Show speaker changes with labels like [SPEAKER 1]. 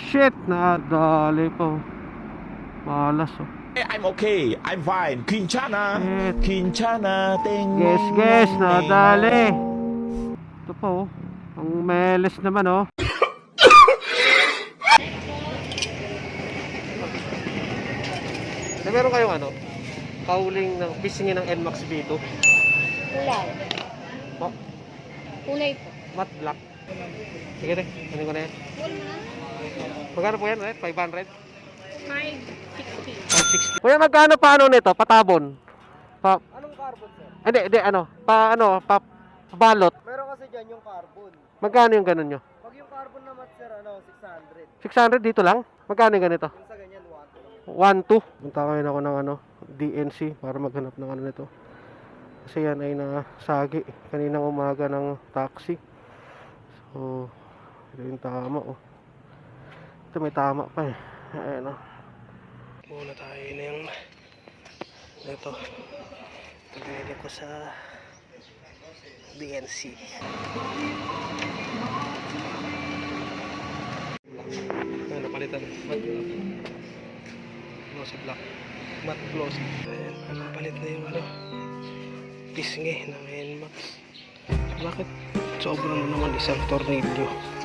[SPEAKER 1] shit, nadali po. Malas oh.
[SPEAKER 2] I'm okay. I'm fine. Quinchana.
[SPEAKER 1] Shit.
[SPEAKER 2] Quinchana. Ting.
[SPEAKER 1] Guess, nadali. Ito po oh. Ang meles naman oh. Meron kayong ano? Kauling ng pisingin ng NMAX B2.
[SPEAKER 3] Kulay.
[SPEAKER 1] Oh,
[SPEAKER 3] Kulay po.
[SPEAKER 1] matte black. Sige rin, ano ko na yan. Magkano po yan? 500?
[SPEAKER 3] 560.
[SPEAKER 1] 560. Kuya, magkano paano nito? Patabon?
[SPEAKER 4] Anong carbon, sir?
[SPEAKER 1] Hindi, ano? Pabalot.
[SPEAKER 4] Meron kasi dyan yung carbon.
[SPEAKER 1] Magkano yung ganun nyo?
[SPEAKER 4] Pag yung carbon naman, sir, 600.
[SPEAKER 1] 600 dito lang? Magkano yung ganito?
[SPEAKER 4] Yung sa ganyan, 1.
[SPEAKER 1] 1, 2. Punta kayo ako ng DNC para maghanap ng ano nito. Kasi yan ay nasagi kaninang umaga ng taxi. So, ito yung tama oh. Ito may tama pa eh. Ayan oh. Muna tayo na yung ito. Pagdili ko sa DNC. Ayan, napalitan. Matte glossy black. Matte glossy. Ayan, napalit na yung pisngi ng NMAX. Bakit sobrang naman isang tornilyo?